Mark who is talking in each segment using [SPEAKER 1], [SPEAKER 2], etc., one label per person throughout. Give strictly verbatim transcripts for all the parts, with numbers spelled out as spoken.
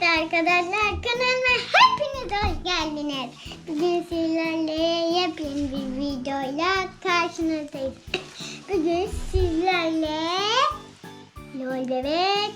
[SPEAKER 1] arkadaşlar, kanalıma hepiniz hoş geldiniz. Bugün sizlerle yepyeni bir videoyla karşınızdayız. Bugün sizlerle Lol Bebek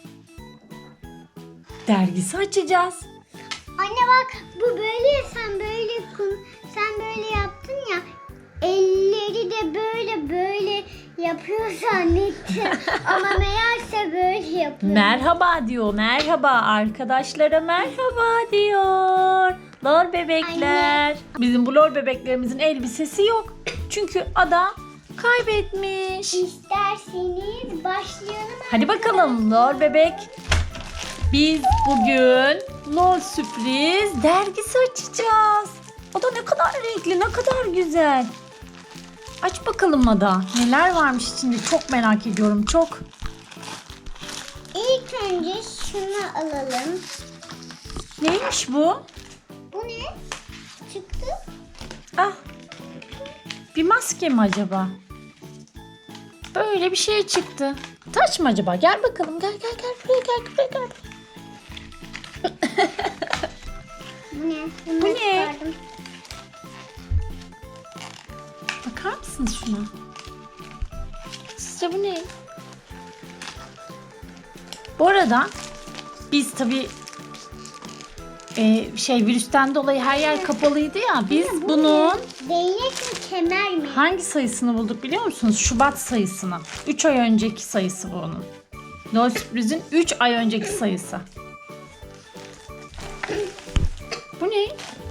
[SPEAKER 2] dergisi açacağız.
[SPEAKER 1] Anne bak, bu böyle, sen böyle kum, sen böyle yaptın ya. Elleri de böyle böyle yapıyor zannettim. Ama meğerse böyle yapıyor.
[SPEAKER 2] Merhaba diyor. Merhaba arkadaşlara merhaba diyor. Lol bebekler.
[SPEAKER 1] Anne.
[SPEAKER 2] Bizim bu lol bebeklerimizin elbisesi yok. Çünkü Ada kaybetmiş.
[SPEAKER 1] İsterseniz başlayalım.
[SPEAKER 2] Hadi bakalım lol bebek. Biz bugün lol sürpriz dergisi açacağız. O da ne kadar renkli, ne kadar güzel. Aç bakalım Ada. Neler varmış içinde çok merak ediyorum çok.
[SPEAKER 1] İlk önce şunu alalım.
[SPEAKER 2] Neymiş bu?
[SPEAKER 1] Bu ne? Çıktı.
[SPEAKER 2] Ah. Bir maske mi acaba? Böyle bir şey çıktı. Taç mı acaba? Gel bakalım. Gel gel gel buraya gel buraya gel.
[SPEAKER 1] Bu ne? Bunu
[SPEAKER 2] Bu ne?
[SPEAKER 1] çıkardım.
[SPEAKER 2] Bakar mısınız şuna? Sizce bu ne? Bu arada biz tabii e, şey virüsten dolayı her yer kapalıydı ya. Biz
[SPEAKER 1] Bu
[SPEAKER 2] bunun
[SPEAKER 1] ne? Değnek mi, kemer mi?
[SPEAKER 2] hangi sayısını bulduk biliyor musunuz? Şubat sayısını. üç ay önceki sayısı bu onun. Lol sürprizin üç ay önceki sayısı. Bu ne?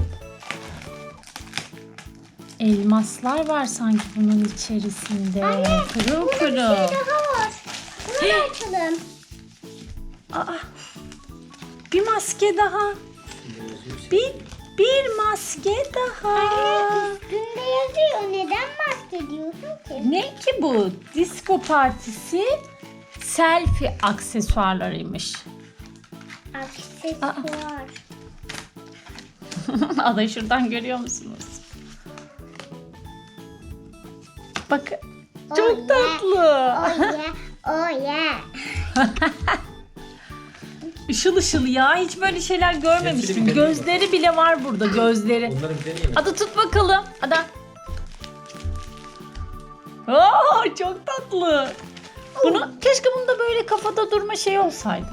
[SPEAKER 2] Elmaslar var sanki bunun içerisinde. Pırıl
[SPEAKER 1] Burada bir şey
[SPEAKER 2] pırıl.
[SPEAKER 1] daha var. Bunu da açalım.
[SPEAKER 2] Aa, bir maske daha. Bir, bir maske daha.
[SPEAKER 1] Anne, üstünde yazıyor. Neden bahsediyorsun ki?
[SPEAKER 2] Ne ki bu? Disco partisi selfie aksesuarlarıymış.
[SPEAKER 1] Aksesuar.
[SPEAKER 2] Adayı şuradan görüyor musunuz? Bakın. Çok
[SPEAKER 1] Oh yeah.
[SPEAKER 2] tatlı.
[SPEAKER 1] Oh yeah. Oh yeah.
[SPEAKER 2] Işıl ışıl ya. Hiç böyle şeyler görmemiştim.
[SPEAKER 3] bir deneyim
[SPEAKER 2] Gözleri bile var burada. Gözleri.
[SPEAKER 3] Bunları bir deneyelim.
[SPEAKER 2] Ada tut bakalım. Ada. Oo, çok tatlı. Bunu keşke bunda böyle kafada durma şey olsaydı.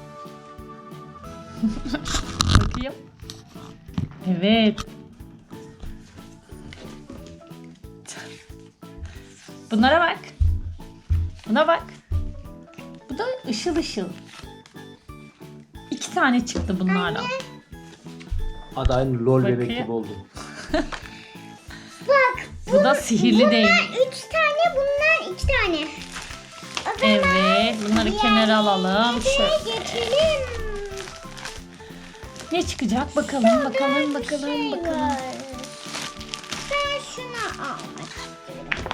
[SPEAKER 2] Bakayım. Evet. Bunlara bak. Buna bak. Bu da ışıl ışıl. İki tane çıktı bunlardan.
[SPEAKER 3] Adı aynı lol bebek
[SPEAKER 2] Bakayım.
[SPEAKER 3] gibi oldu.
[SPEAKER 1] Bak.
[SPEAKER 2] Bu da sihirli değil.
[SPEAKER 1] Bunlar üç tane, bunlar iki tane. O zaman
[SPEAKER 2] Evet, bunları kenara alalım. Şöyle.
[SPEAKER 1] geçelim.
[SPEAKER 2] Ne çıkacak? Bakalım, bakalım,
[SPEAKER 1] Bir
[SPEAKER 2] bakalım,
[SPEAKER 1] şey
[SPEAKER 2] bakalım.
[SPEAKER 1] var. Ben şunu almak istiyorum.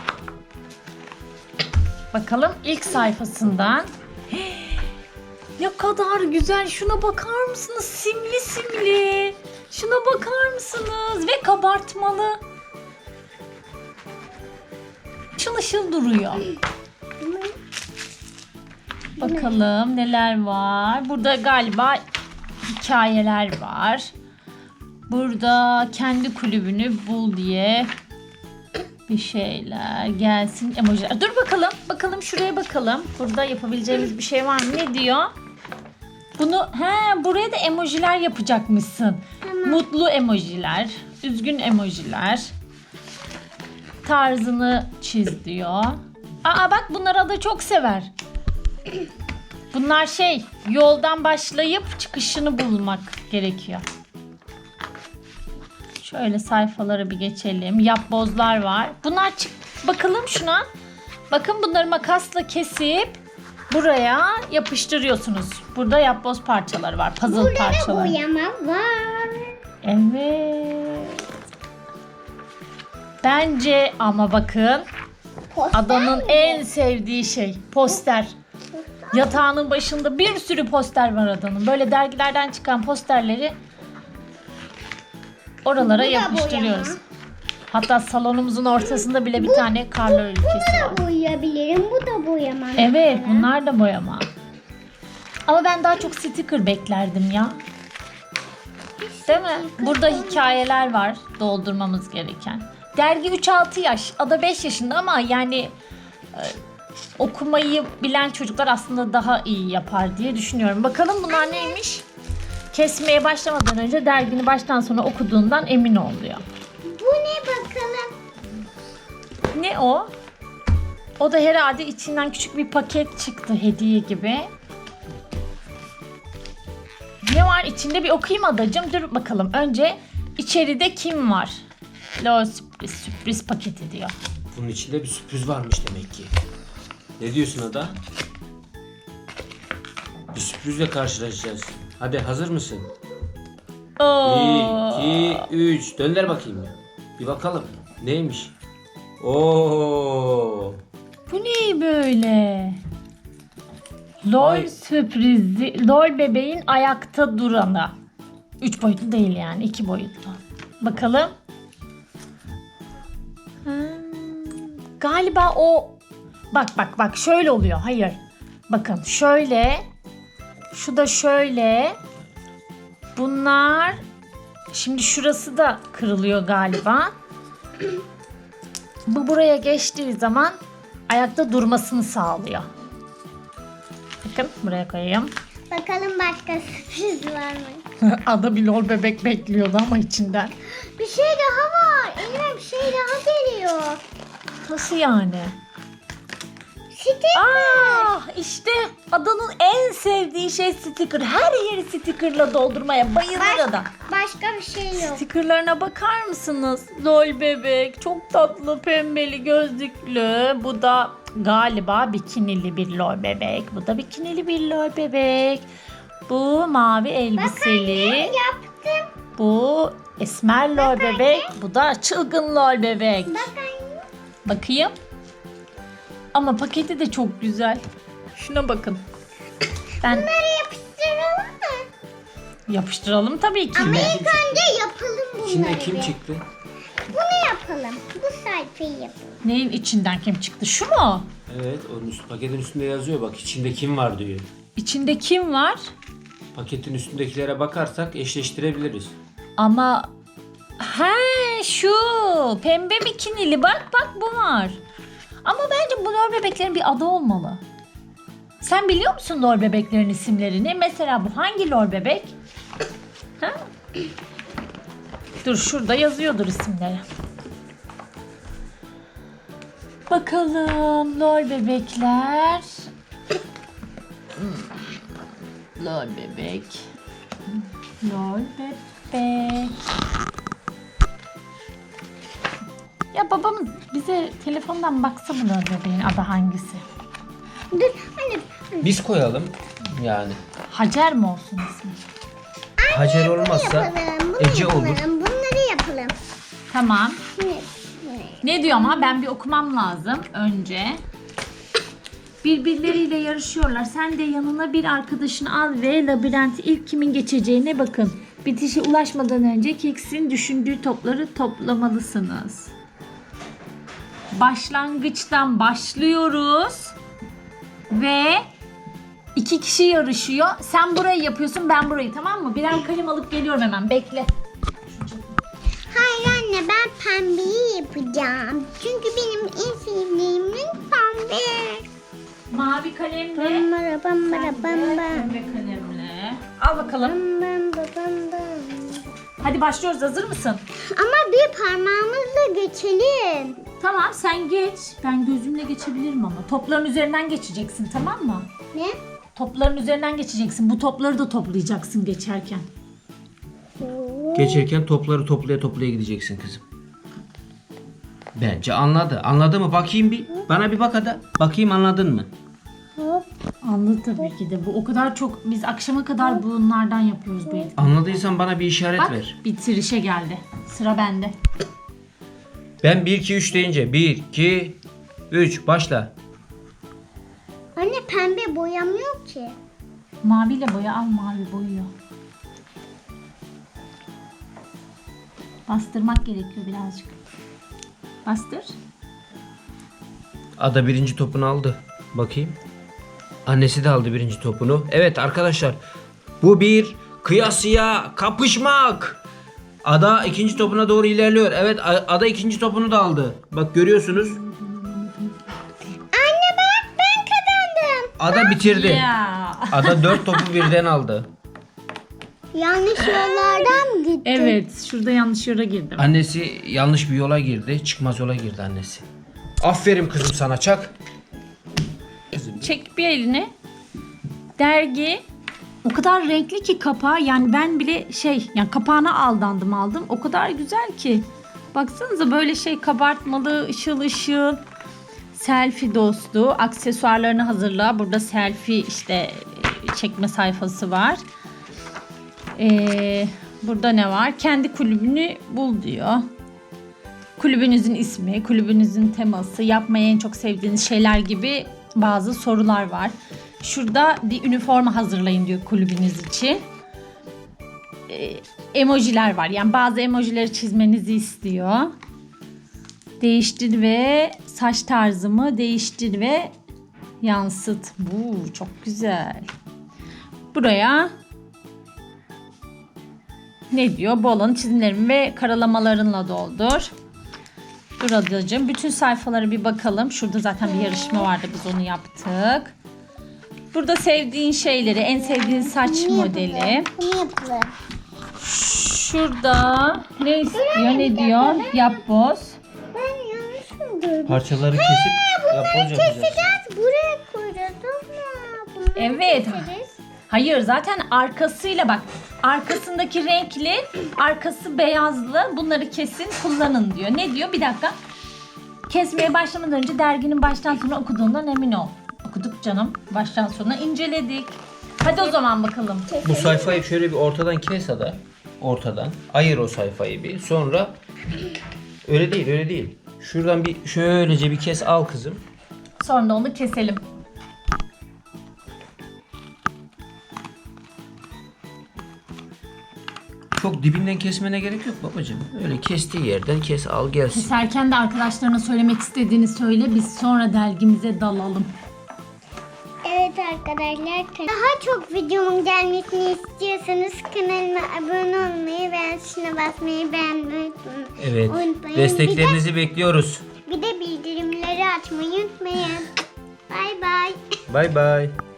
[SPEAKER 2] Bakalım ilk sayfasından. Ne kadar güzel. Şuna bakar mısınız? Simli simli. Şuna bakar mısınız? Ve kabartmalı. Işıl ışıl duruyor. Bakalım neler var. Burada galiba hikayeler var. Burada kendi kulübünü bul diye bir şeyler gelsin, emojiler. Dur bakalım. Bakalım şuraya bakalım. Burada yapabileceğimiz bir şey var mı? Ne diyor? Bunu he buraya da emojiler yapacakmışsın. Mutlu emojiler, üzgün emojiler. Tarzını çiz diyor. Aa bak bunları Ada çok sever. Bunlar şey yoldan başlayıp çıkışını bulmak gerekiyor. Şöyle sayfaları bir geçelim. Yapbozlar var. Bunlar çık bakalım şuna. Bakın bunları makasla kesip buraya yapıştırıyorsunuz. Burada yapboz parçaları var. Puzzle
[SPEAKER 1] Burada da
[SPEAKER 2] parçaları.
[SPEAKER 1] boyama var.
[SPEAKER 2] Evet. Bence ama bakın
[SPEAKER 1] Poster
[SPEAKER 2] Adanın
[SPEAKER 1] mi?
[SPEAKER 2] en sevdiği şey poster. Yatağının başında bir sürü poster var Adanın. Böyle dergilerden çıkan posterleri oralara
[SPEAKER 1] Bu da
[SPEAKER 2] yapıştırıyoruz.
[SPEAKER 1] boyama.
[SPEAKER 2] Hatta salonumuzun ortasında bile bir tane karlar ülkesi var.
[SPEAKER 1] Bunu da boyayabilirim. Bu da boyama.
[SPEAKER 2] Evet
[SPEAKER 1] mesela.
[SPEAKER 2] bunlar da boyama. Ama ben daha çok sticker beklerdim ya. Değil mi? Burada hikayeler var doldurmamız gereken. Dergi üç altı yaş, Ada beş yaşında ama yani e, okumayı bilen çocuklar aslında daha iyi yapar diye düşünüyorum. Bakalım bunlar neymiş? Kesmeye başlamadan önce dergini baştan sona okuduğundan emin oluyor.
[SPEAKER 1] Bu ne bakalım?
[SPEAKER 2] Ne o? O da herhalde içinden küçük bir paket çıktı hediye gibi. Ne var içinde bir okuyayım adacığım. Dur bakalım. Önce içeride kim var? Lo sürpriz, sürpriz paketi diyor.
[SPEAKER 3] Bunun içinde bir sürpriz varmış demek ki. Ne diyorsun Ada? Bir sürprizle karşılaşacağız. Hadi hazır mısın?
[SPEAKER 2] Oo.
[SPEAKER 3] Bir, iki, üç. Dönder bakayım ya. Bir bakalım. Neymiş? Oo.
[SPEAKER 2] Bu ne böyle? LOL
[SPEAKER 3] Ay.
[SPEAKER 2] sürprizi. LOL bebeğin ayakta duranı. Üç boyutlu değil yani. iki boyutlu. Bakalım. Hmm, galiba o... Bak bak bak şöyle oluyor. Hayır. Bakın şöyle. Şu da şöyle. Bunlar... Şimdi şurası da kırılıyor galiba. Bu buraya geçtiği zaman ayakta durmasını sağlıyor. Bakın buraya koyayım.
[SPEAKER 1] Bakalım başka sürpriz var mı?
[SPEAKER 2] Ada bir lol bebek bekliyordu ama içinden.
[SPEAKER 1] Bir şey daha var. Elime bir şey daha geliyor.
[SPEAKER 2] Nasıl yani?
[SPEAKER 1] Sticker.
[SPEAKER 2] Ah işte Ada'nın en sevdiği şey sticker. Her yeri stickerla doldurmaya bayılır
[SPEAKER 1] Baş-
[SPEAKER 2] Ada.
[SPEAKER 1] Başka bir şey yok.
[SPEAKER 2] Stickerlarına bakar mısınız? Lol bebek çok tatlı pembeli gözlüklü. Bu da galiba bikinili bir lol bebek. Bu da bikinili bir lol bebek. Bu mavi elbiseli.
[SPEAKER 1] Yaptım.
[SPEAKER 2] Bu esmer lol bebek. Bu da çılgın lol bebek.
[SPEAKER 1] Bak anne.
[SPEAKER 2] Bakayım. Ama paketi de çok güzel. Şuna bakın. Ben
[SPEAKER 1] Bunları yapıştıralım mı?
[SPEAKER 2] yapıştıralım tabii ki
[SPEAKER 1] Ama
[SPEAKER 2] de.
[SPEAKER 1] ilk önce yapalım bunları.
[SPEAKER 3] İçinde kim
[SPEAKER 1] bir.
[SPEAKER 3] çıktı?
[SPEAKER 1] Bunu yapalım. Bu sayfayı yapalım.
[SPEAKER 2] Neyin içinden kim çıktı? Şu mu?
[SPEAKER 3] Evet, onun üst, paketin üstünde yazıyor bak içinde kim var diyor.
[SPEAKER 2] İçinde kim var?
[SPEAKER 3] Paketin üstündekilere bakarsak eşleştirebiliriz.
[SPEAKER 2] Ama he şu pembe bikinili bak bak bu var. Ama bence bu lol bebeklerin bir adı olmalı. Sen biliyor musun lol bebeklerin isimlerini? Mesela bu hangi lol bebek? Ha? Dur şurada yazıyordur isimleri. Bakalım lol bebekler. Hmm, Lol bebek. Lol bebek. Ya babamız bize telefondan baksa bu lol bebeğin adı hangisi?
[SPEAKER 1] Dur anne.
[SPEAKER 3] Biz koyalım yani.
[SPEAKER 2] Hacer mi olsun ismi?
[SPEAKER 3] Hacer
[SPEAKER 1] Bunu
[SPEAKER 3] olmazsa
[SPEAKER 1] yapalım. Bunu
[SPEAKER 3] Ece
[SPEAKER 1] yapalım.
[SPEAKER 3] olur.
[SPEAKER 1] Bunları yapalım.
[SPEAKER 2] Tamam.
[SPEAKER 1] Şimdi,
[SPEAKER 2] Ne diyor ama ben bir okumam lazım önce. Birbirleriyle yarışıyorlar. Sen de yanına bir arkadaşını al ve labirenti ilk kimin geçeceğine bakın. Bitişe ulaşmadan önce Keks'in düşündüğü topları toplamalısınız. Başlangıçtan başlıyoruz. Ve iki kişi yarışıyor. Sen burayı yapıyorsun, ben burayı, tamam mı? Birer kalem alıp geliyorum hemen. Bekle.
[SPEAKER 1] hayır anne ben pembeyi yapacağım. Çünkü benim en sevdiğim renk pembe.
[SPEAKER 2] Mavi kalemle.
[SPEAKER 1] Bambara bambara
[SPEAKER 2] Sen de
[SPEAKER 1] bamba.
[SPEAKER 2] pembe kalemle. Al bakalım.
[SPEAKER 1] Bamba bamba.
[SPEAKER 2] Hadi başlıyoruz. Hazır mısın?
[SPEAKER 1] Ama bir parmağımızla geçelim.
[SPEAKER 2] Tamam sen geç. Ben gözümle geçebilirim ama. Topların üzerinden geçeceksin, tamam mı?
[SPEAKER 1] Ne?
[SPEAKER 2] Topların üzerinden geçeceksin. Bu topları da toplayacaksın geçerken.
[SPEAKER 3] geçerken topları toplaya toplaya gideceksin kızım. Bence anladı. Anladı mı? Bakayım bir. Bana bir bak hadi. Bakayım anladın mı?
[SPEAKER 1] Hop.
[SPEAKER 2] Anladı tabii ki de. Bu o kadar çok, biz akşama kadar bunlardan yapıyoruz bu etkinliği.
[SPEAKER 3] Anladıysan bana bir işaret
[SPEAKER 2] Bak
[SPEAKER 3] ver.
[SPEAKER 2] bitirişe geldi. Sıra bende.
[SPEAKER 3] Ben bir iki üç deyince bir iki üç başla.
[SPEAKER 1] Anne pembe boyamıyor ki.
[SPEAKER 2] Maviyle boya, al mavi boyuyor. Bastırmak gerekiyor birazcık. Bastır.
[SPEAKER 3] Ada birinci topunu aldı. Bakayım. Annesi de aldı birinci topunu. Evet arkadaşlar, bu bir kıyasıya kapışmak. Ada ikinci topuna doğru ilerliyor. Evet, A- Ada ikinci topunu da aldı. Bak görüyorsunuz.
[SPEAKER 1] Anne bak ben kazandım.
[SPEAKER 3] Ada bitirdi.
[SPEAKER 2] Ya.
[SPEAKER 3] Ada dört topu birden aldı.
[SPEAKER 1] Yanlış yollardan mı gittin?
[SPEAKER 2] Evet, şurada yanlış yola girdim.
[SPEAKER 3] Annesi yanlış bir yola girdi. Çıkmaz yola girdi annesi. Aferin kızım sana, çak.
[SPEAKER 2] Çek bir elini. Dergi o kadar renkli ki kapağı, yani ben bile şey, yani kapağına aldandım aldım. O kadar güzel ki. Baksanıza, böyle şey kabartmalı, ışıl ışıl. Selfie dostu. Aksesuarlarını hazırla. Burada selfie işte çekme sayfası var. Ee, burada ne var? Kendi kulübünü bul diyor. Kulübünüzün ismi, kulübünüzün teması, yapmayı en çok sevdiğiniz şeyler gibi bazı sorular var. Şurada bir üniforma hazırlayın diyor kulübünüz için. Ee, emojiler var. Yani bazı emojileri çizmenizi istiyor. Değiştir ve saç tarzımı değiştir ve yansıt. Bu çok güzel. Buraya ne diyor? Bu alanı çizimlerin ve karalamalarınla doldur. Dur adacığım. Bütün sayfalara bir bakalım. Şurada zaten bir yarışma vardı. Biz onu yaptık. Burada sevdiğin şeyleri, en sevdiğin saç modeli.
[SPEAKER 1] Bunu yapalım.
[SPEAKER 2] Şurada ne istiyor, ne diyor? Yap boz.
[SPEAKER 1] Ben yanlış mı gördüm?
[SPEAKER 3] Parçaları kesip yapboz yapacağız.
[SPEAKER 1] Keseceğiz. Buraya koyacağız ama. Bunları
[SPEAKER 2] Evet.
[SPEAKER 1] keseriz.
[SPEAKER 2] Hayır, zaten arkasıyla bak. Arkasındaki renkli, arkası beyazlı. Bunları kesin, kullanın diyor. Ne diyor? Bir dakika. Kesmeye başlamadan önce derginin baştan sona okuduğundan emin ol. Okuduk canım. Baştan sona inceledik. Hadi o zaman bakalım.
[SPEAKER 3] Bu sayfayı şöyle bir ortadan kes Ada. Ortadan. Ayır o sayfayı bir. Sonra öyle değil, öyle değil. Şuradan bir şöylece bir kes al kızım.
[SPEAKER 2] Sonra da onu keselim.
[SPEAKER 3] Çok dibinden kesmene gerek yok babacığım. Öyle kestiği yerden kes al gelsin.
[SPEAKER 2] Keserken de arkadaşlarına söylemek istediğini söyle. Biz sonra dergimize dalalım.
[SPEAKER 1] Evet arkadaşlar, daha çok videomun gelmesini istiyorsanız kanalıma abone olmayı ve tuşuna basmayı beğenmeyi
[SPEAKER 3] Evet.
[SPEAKER 1] unutmayın.
[SPEAKER 3] Desteklerinizi bekliyoruz.
[SPEAKER 1] Bir de, bir de bildirimleri açmayı unutmayın. Bay bay.
[SPEAKER 3] Bay bay.